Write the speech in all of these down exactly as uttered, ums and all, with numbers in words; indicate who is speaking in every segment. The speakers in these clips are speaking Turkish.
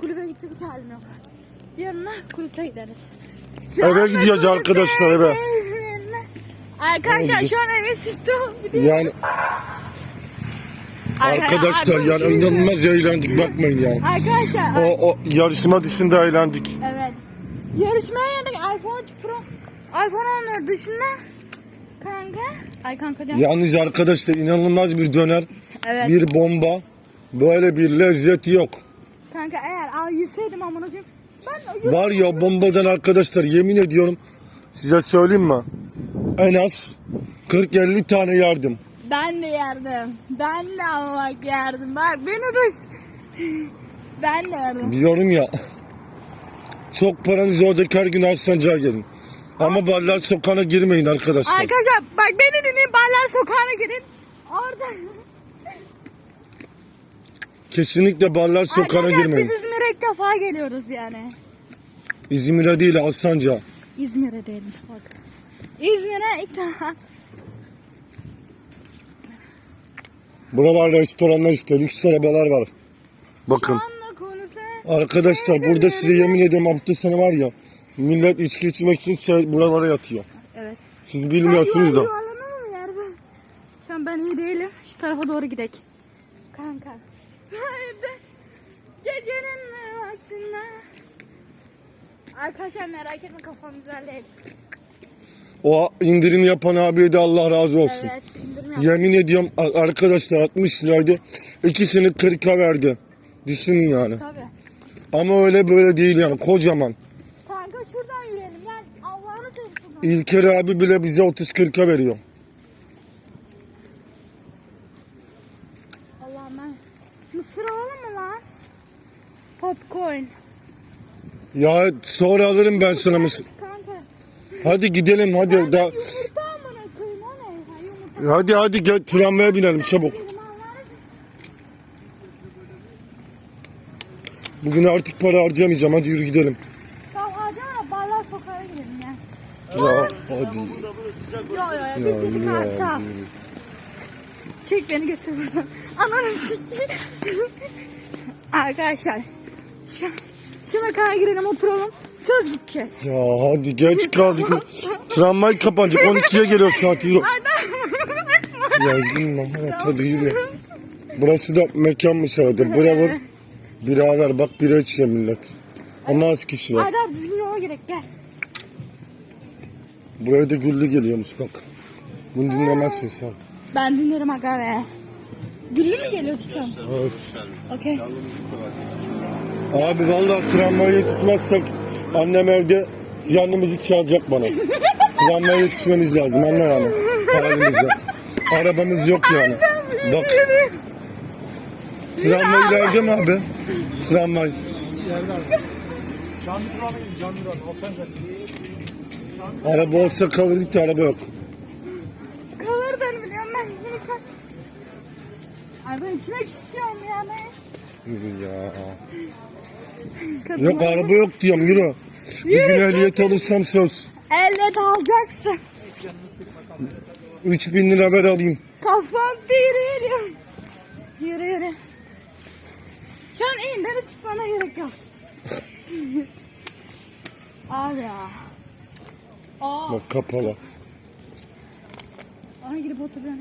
Speaker 1: kulübe gidecek hiç halim yok. Yarına kulübe gideriz.
Speaker 2: Eve gidiyoruz arkadaşlar, eve.
Speaker 1: Arkadaşlar şu an eve sıktım.
Speaker 2: Yani arkadaşlar yani inanılmaz eğlendik, bakmayın yani.
Speaker 1: Arkadaşlar.
Speaker 2: O, o yarışma dışında eğlendik.
Speaker 1: Evet. Yarışmaya geldik. iPhone Pro. iPhone on dışında. Kanka. Ay kanka canım.
Speaker 2: Yalnız arkadaşlar inanılmaz bir döner.
Speaker 1: Evet.
Speaker 2: Bir bomba. Böyle bir lezzet yok.
Speaker 1: Kanka eğer al yeseydim amına koyayım. Ben
Speaker 2: Var ya bombadan arkadaşlar, yemin ediyorum size söyleyeyim mi? En az kırk elli tane yardım.
Speaker 1: Ben de yerdim. Ben de ama bak yerdim. Bak beni düş. Ben de yerdim.
Speaker 2: Diyorum ya. Çok paranız olacak, her gün Alsancak'a gelin. Ama Barlar Sokağı'na girmeyin arkadaşlar.
Speaker 1: Arkadaşlar bak beni dinleyin. Barlar Sokağı'na girin. Orada.
Speaker 2: Kesinlikle Barlar Sokağı'na
Speaker 1: Arkadaşlar
Speaker 2: girmeyin.
Speaker 1: biz İzmir'e ilk defa geliyoruz yani.
Speaker 2: İzmir'e değil, Alsancak'a.
Speaker 1: İzmir'e değilmiş bak. İzmir'e ilk defa.
Speaker 2: Buralar restoranlar işte, lüks arabalar var. Bakın.
Speaker 1: Anla konuşan.
Speaker 2: Arkadaşlar burada size yemin ediyorum hafta sonu var ya, millet içki içmek için şey, buralara yatıyor.
Speaker 1: Evet.
Speaker 2: Siz bilmiyorsunuz da.
Speaker 1: Yuvarlanalım mı yerde? Şu an ben iyi değilim. Şu tarafa doğru gidelim. Kanka. Haydi. Gecenin vaktinde. Arkadaşlar merak etme, kafam güzel değil.
Speaker 2: O indirim yapan abiye de Allah razı olsun.
Speaker 1: Evet, indirim yap.
Speaker 2: Yemin ediyorum arkadaşlar altmış liraydı. İkisini kırka verdi. Düşünün yani.
Speaker 1: Tabii.
Speaker 2: Ama öyle böyle değil yani, kocaman.
Speaker 1: Kanka şuradan yürüyelim. Gel Allah'ını seversen.
Speaker 2: İlker abi bile bize otuz kırka veriyor.
Speaker 1: Allah'ım ben. Mısır alalım mı lan? Popcorn.
Speaker 2: Ya sonra alırım ben sana mısır.
Speaker 1: Kanka.
Speaker 2: Hadi gidelim hadi. Da,
Speaker 1: Yumurta amına koyayım, o ne? Ha, yumurta.
Speaker 2: hadi hadi gel, tramvaya binelim çabuk. Bugün artık para harcamayacağım, hadi yürü gidelim.
Speaker 1: Tamam acaba Barlar Sokağı'na gidelim ya.
Speaker 2: Ya hadi.
Speaker 1: Yo yo yo.
Speaker 2: Ya,
Speaker 1: Biz dedik
Speaker 2: ya,
Speaker 1: abi sağ ol.
Speaker 2: yürü.
Speaker 1: Çek beni götür buradan. Ananı sikeyim. Arkadaşlar. Şu, şu mekana girelim, oturalım. Söz gideceğiz.
Speaker 2: Ya hadi geç kaldık. Tramvay kapanacak, on ikiye geliyor saat. Yürü. Ya yürü, hadi yürü. Burası da mekanmış herhalde. Bravo. Birader bak, bira içiyor millet. Ama az kişi var.
Speaker 1: Hadi abi düzgün yola gerek, gel.
Speaker 2: Buraya da güllü geliyormuş bak. Bunu dinlemezsin sen.
Speaker 1: Ben dinlerim aga be. Güllü mü geliyorsun sen?
Speaker 2: Evet.
Speaker 1: Okey.
Speaker 2: Abi vallahi tramvaya yetişmezsek annem evde canımızı çalacak bana. Tramvaya yetişmemiz lazım, anne yani. Halimizde. Arabamız yok yani. Bak. Tramvay ileride mi abi? Tramvay.
Speaker 3: Canlı tramvayı, canlı tramvayı. Alsancak.
Speaker 2: Araba olsa kalırdık da araba yok.
Speaker 1: Kalırdın biliyorum ben. Ay ben içmek istiyorum ya ben.
Speaker 2: Yürü ya.
Speaker 1: Kadın-
Speaker 2: Yok araba yok diyorum, yürü. Bir gün ehliyet alırsam söz.
Speaker 1: Elle alacaksın.
Speaker 2: üç bin lira ver alayım.
Speaker 1: Kafam değil, yürü. Yürü yürü. Şu an iyiyim, beni tutmana gerek yok. Abi ya. Aa,
Speaker 2: Bak kapalı.
Speaker 1: ona girip oturuyorum.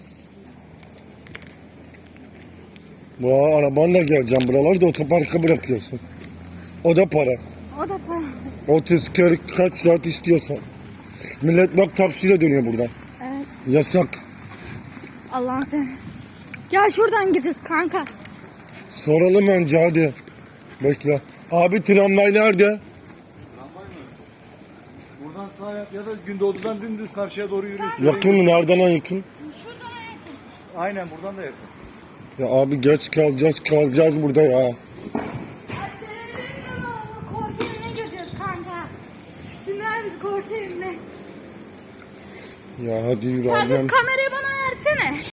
Speaker 2: Bu arabanla geleceğim, buraları da otoparka bırakıyorsun. O da para.
Speaker 1: O da para.
Speaker 2: otuz kırk kaç saat istiyorsan. Millet bak taksiyle dönüyor buradan.
Speaker 1: Evet.
Speaker 2: Yasak.
Speaker 1: Allah'ım sen. Gel şuradan gideceğiz kanka.
Speaker 2: Soralım önce hadi. Bekle. Abi tramvay nerede?
Speaker 3: Tramvay mı? Buradan sağa yap ya da Gündoğdu'dan dümdüz karşıya doğru yürüyorsun.
Speaker 2: Yakın mı? Nereden yakın?
Speaker 3: Aynen buradan da yakın.
Speaker 2: Ya abi geç kalacağız kalacağız burada ya.
Speaker 1: Korku evine gireceğiz kanka. Dinler misin korku evine?
Speaker 2: Ya hadi yürü
Speaker 1: Kanka
Speaker 2: ablam.
Speaker 1: kamerayı bana versene.